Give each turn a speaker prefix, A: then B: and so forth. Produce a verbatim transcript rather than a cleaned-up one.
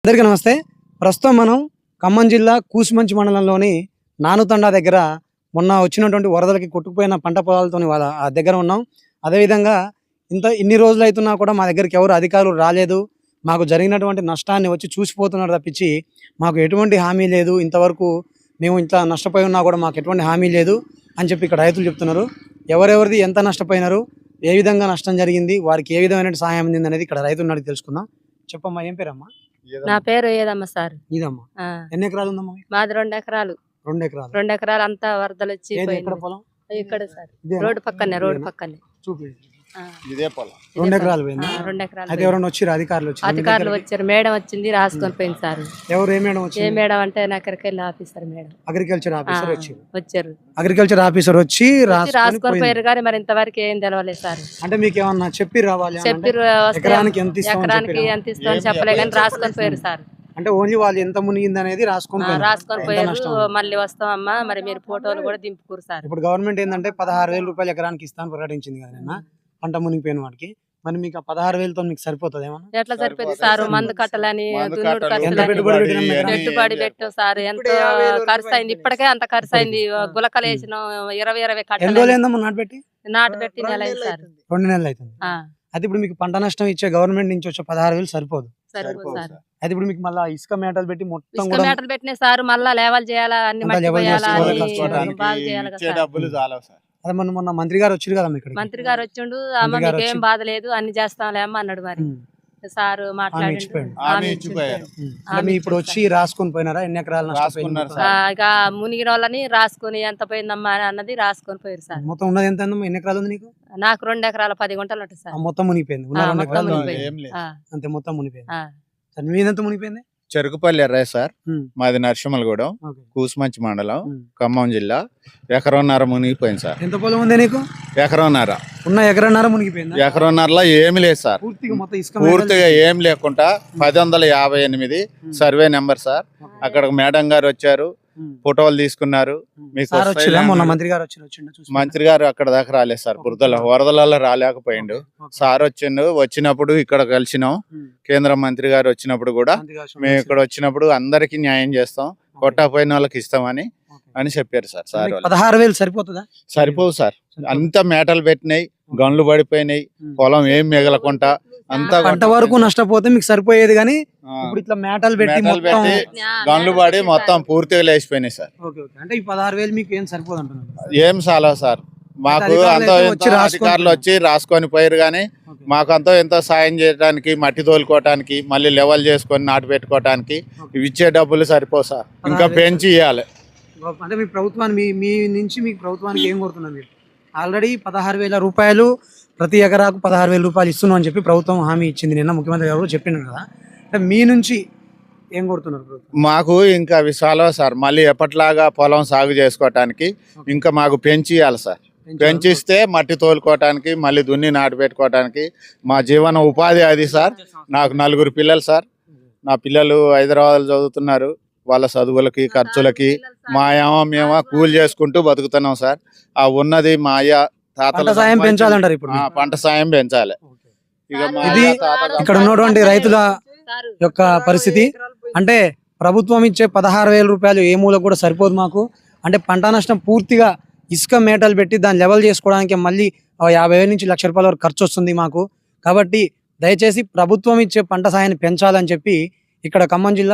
A: అందరికీ నమస్తే. ప్రస్తుతం మనం ఖమ్మం జిల్లా కూసుమంచి మండలంలోని నానుతండా దగ్గర మొన్న వచ్చినటువంటి వరదలకి కొట్టుకుపోయిన పంట పొలాలతోని వాళ్ళ ఆ దగ్గర ఉన్నాం. అదేవిధంగా ఇంత ఇన్ని రోజులు అవుతున్నా కూడా మా దగ్గరికి ఎవరు అధికారులు రాలేదు. మాకు జరిగినటువంటి నష్టాన్ని వచ్చి చూసిపోతున్నారు తప్పించి మాకు ఎటువంటి హామీ లేదు. ఇంతవరకు మేము ఇంత నష్టపోయి ఉన్నా కూడా మాకు ఎటువంటి హామీ లేదు అని చెప్పి ఇక్కడ రైతులు చెప్తున్నారు. ఎవరెవరిది ఎంత నష్టపోయినారు, ఏ విధంగా నష్టం జరిగింది, వారికి ఏ విధమైన సహాయం అందింది అనేది ఇక్కడ రైతులను అడిగి తెలుసుకుందాం. చెప్పమ్మా, ఏం పేరమ్మా?
B: నా పేరు ఏదమ్మా సార్.
A: ఇదమ్మా, ఎన్ని ఎకరాలు ఉందమ్మా?
B: మాది రెండు ఎకరాలు.
A: రెండు ఎకరాలు
B: రెండు ఎకరాలు అంతా వరదలు వచ్చి
A: ఏది ఎక్కడ పొలం?
B: ఇక్కడ సార్ రోడ్డు పక్కనే రోడ్డు పక్కనే
A: చూపి
B: ఆ,
A: ఇదే పొలం. రెండు ఎకరాలు పోయిందా?
B: ఆ, రెండు ఎకరాలు
A: అయితే ఎవరైనా వచ్చారు? అధికారులు వచ్చారు?
B: అధికారులు వచ్చారు, మేడం వచ్చింది, రాసుకొని పోయింది సార్.
A: ఎవరు? ఏ మేడం
B: ఏ
A: వచ్చింది?
B: మేడం అంటే నా ఎక్కడికి వెళ్ళి ఆఫీసర్ మేడం
A: అగ్రికల్చర్
B: ఆ,
A: ఆఫీసర్ వచ్చారు.
B: వచ్చారు
A: అగ్రికల్చర్ ఆఫీసర్ వచ్చి
B: వచ్చి
A: రాసుకొని
B: రాసుకొని
A: పోయింది.
B: పోయారు కానీ మరి ఇంతవరకు ఏం తెలవలేదు సార్.
A: అంటే మీకు ఏమన్నా చెప్పి రావాలి అని అంటే
B: చెప్పి వస్తే
A: ఎకరానికి ఎంత ఇస్తామని
B: ఎకరానికి
A: చెప్పిరా?
B: ఎంత ఇస్తామని చెప్పలే కానీ రాసుకొని పోయారు సార్.
A: అంటే ఓన్లీ వాళ్ళు ఎంత మునిగింది అనేది రాసుకొని
B: ఆ,
A: పోయినారు.
B: రాసుకొని
A: ఎంత
B: పోయారు.
A: నష్టం?
B: మళ్ళీ వస్తామమ్మా మరి మీరు ఫోటోలు కూడా దింపుకోరు సార్.
A: ఇప్పుడు గవర్నమెంట్ ఏంటంటే పదహారు వేల రూపాయలు ఎకరానికి ఇస్తాను ప్రకటించింది కదా నిన్న పంట మునిగిపోయిన వాడికి. మరి మీకు ఆ పదహారు వేలతో మీకు సరిపోతుంది ఏమన్నా?
B: ఎట్లా సరిపోతుంది సార్? మందు కట్టాలని దున్నుడు
A: ఎంత
B: ఖర్చులని
A: పెట్టుబడి పెట్టినాం ఎకరానికి?
B: పెట్టుబడి పెట్టాం సార్. ఎంతో ఖర్చు అయింది, ఇప్పటికే అంత ఖర్చు అయింది. గులకలు వేసిన ఇరవై ఇరవై
A: ఎన్ని రోజులు
B: కట్టలు
A: ఏందమ్మా నాటు పెట్టి?
B: నాటు పెట్టి నెల అయింది సార్.
A: రెండు నెలలు అవుతుంది.
B: ఆ,
A: అయితే ఇప్పుడు మీకు పంట నష్టం ఇచ్చే గవర్నమెంట్ నుంచి వచ్చే పదహారు వేలు సరిపోదు.
B: సరిపోదు సార్.
A: అయితే ఇప్పుడు మీకు మళ్ళీ ఇసుక మేటలు పెట్టి మొత్తం
B: ఇసుక
A: కూడా
B: మేటలు పెట్టిన సార్, మళ్ళా లేవల్ చేయాలా, అన్ని
A: అంతా
B: మట్టి
A: level
B: పోయాలా,
A: చేసుకోవాలి,
B: అన్ని
A: కష్టపడాలి.
B: బాగా చేయాలి కదా సార్.
C: డబ్బులు చాలా సార్.
A: అదే మొన్న మొన్న మంత్రి గారు వచ్చారు కదా ఇక్కడ.
B: మంత్రి గారు వచ్చిండు, అమ్మ
A: మంత్రి గారు
B: మీకేం
A: వచ్చి-
B: బాధ లేదు అన్ని చేస్తాంలే అమ్మ అన్నాడు. మరి సార్ మాట్లాడి
A: ఇచ్చిపోయాడు.
C: ఆమె ఇచ్చిపోయారు.
A: మీ ఇప్పుడు వచ్చి రాసుకొని పోయినారా? ఎన్ని ఎకరాలు
C: రాసుకున్నారు
A: నష్టపోయినారు?
B: ఇక మునిగిన వాళ్ళని రాసుకొని ఎంత పోయిందమ్మా అని అన్నది రాసుకొని పోయారు సార్.
A: మొత్తం ఉన్నది ఎంత ఉందమ్మా? ఎన్ని ఎకరాలు ఉంది నీకు?
B: నాకు రెండు ఎకరాల పది గుంటలు ఉంటుంది
A: ఆ
B: సార్.
A: మొత్తం మునిగిపోయింది. ఉన్న
B: ఆ,
A: రెండు
B: మొత్తం
A: ఎకరాలు
B: మునిగిపోయింది.
C: ఏం లేదు.
B: ఆ,
A: అంతే, మొత్తం మునిగిపోయింది.
B: ఆ.
A: సరే, మీదెంత మునిగిపోయింది?
C: చెరుకుపల్లి ఎర్రయ్య సార్.
A: ఉమ్,
C: మాది నరసింహలగూడెం,
A: ఓకే.
C: కూసుమంచి మండలం,
A: ఉమ్.
C: ఖమ్మం జిల్లా. ఎకరన్నర మునిగిపోయింది సార్.
A: ఎంత పొలం ఉంది నీకు?
C: ఎకరన్నర
A: ఉన్న ఎకరన్నర మునిగిపోయింది.
C: ఎకరన్నరలో ఏమి లేదు సార్.
A: పూర్తిగా మొత్తం ఇసుక
C: పూర్తిగా ఏం లేకుండా పది వందల యాభై ఎనిమిది సర్వే నెంబర్ సార్. అక్కడ మేడం గారు వచ్చారు, ఫోటోలు తీసుకున్నారు. మీకు
A: సార్
C: వస్తాయి
A: వచ్చిరా? మొన్న
C: లేమని.
A: మంత్రి గారు వచ్చిండు వచ్చిండు చూసి
C: మంత్రి గారు అక్కడ దాకా రాలేదు సార్. బురదల వరదలలో రాలేకపోయిండు. సార్ వచ్చిండు. వచ్చినప్పుడు ఇక్కడ కలిసినాం. కేంద్ర మంత్రి గారు వచ్చినప్పుడు కూడా మేము ఇక్కడ వచ్చినప్పుడు అందరికి న్యాయం చేస్తాం, కొట్టపోయిన వాళ్ళకి ఇస్తామని అని చెప్పారు సార్. సార్ వాళ్ళు
A: పదహారు వేలు సరిపోతుందా?
C: సరిపోవు సార్. అంత మేటలు పెట్టినాయి, గన్లు పడిపోయినాయి, పొలం ఏం మిగలకుండా అంతా
A: పంట వరకు నష్టపోతే మీకు సరిపోయేది, కానీ
C: ఆ,
A: ఇప్పుడు ఇట్లా మేటలు పెట్టి
C: మేటలు
A: మొత్తం
C: పెట్టి గన్లు పడి మొత్తం పూర్తిగా లేచిపోయినాయి సార్.
A: Okay, okay. అంటే ఈ పదహారు వేలు మీకు ఏం సరిపోదు అంటున్నారు?
C: ఏం చాలా సార్. మాకు
A: అధికారులు
C: అంతో
A: అయితే
C: ఎంతో
A: వచ్చి రాసుకొని
C: అధికారులు వచ్చి రాసుకొని పోయారు, కానీ
A: ఓకే.
C: మాకు అంతో ఎంతో సాయం చేయడానికి, మట్టి తోలుకోవటానికి, మళ్ళీ లెవెల్ చేసుకొని నాటు పెట్టుకోవటానికి ఇవి ఇచ్చే డబ్బులు సరిపోవు సార్. ఇంకా పెంచి ఇవ్వాలి.
A: అంటే మీ ప్రభుత్వాన్ని మీ మీ నుంచి మీకు ప్రభుత్వానికి ఏం కోరుతున్నారు? మీరు ఆల్రెడీ పదహారు వేల రూపాయలు ప్రతి ఎకరాకు పదహారు వేల రూపాయలు ఇస్తున్నాం అని చెప్పి ప్రభుత్వం హామీ ఇచ్చింది. నిన్న ముఖ్యమంత్రి గారు చెప్పినారు కదా. అంటే మీ నుంచి ఏం కోరుతున్నారు ప్రభుత్వం?
C: మాకు ఇంకా అవి చాలా సార్. మళ్ళీ ఎప్పటిలాగా పొలం సాగు చేసుకోవటానికి ఇంకా మాకు పెంచి ఇవ్వాలి సార్. పెంచిస్తే మట్టి తోలుకోవటానికి, మళ్ళీ దున్ని నాటు పెట్టుకోవటానికి మా జీవన ఉపాధి అది సార్. నాకు నలుగురు పిల్లలు సార్. నా పిల్లలు హైదరాబాద్ చదువుతున్నారు. వాళ్ళ చదువులకి ఖర్చులకి మా ఏమో మేము కూలి చేసుకుంటూ బతుకుతున్నాం సార్. ఆ ఉన్నది మా అయ్య
A: పంట
C: తాతల
A: సాయం పెంచాలంటారు ఇప్పుడు
C: ఆ,
A: మీరు?
C: పంట సాయం పెంచాలి. ఇక మా
A: ఇది
C: అయ్య తాతల
A: ఇక్కడ ఉన్నటువంటి రైతుల యొక్క పరిస్థితి. అంటే ప్రభుత్వం ఇచ్చే పదహారు వేల రూపాయలు ఏ మూలకు కూడా సరిపోదు మాకు. అంటే పంట నష్టం పూర్తిగా ఇసుక మేటలు పెట్టి దాన్ని లెవెల్ చేసుకోవడానికి మళ్ళీ ఆ యాభై వేల నుంచి లక్ష రూపాయల వరకు ఖర్చు వస్తుంది మాకు. కాబట్టి దయచేసి ప్రభుత్వం ఇచ్చే పంట సాయాన్ని పెంచాలని చెప్పి ఇక్కడ ఖమ్మం జిల్లా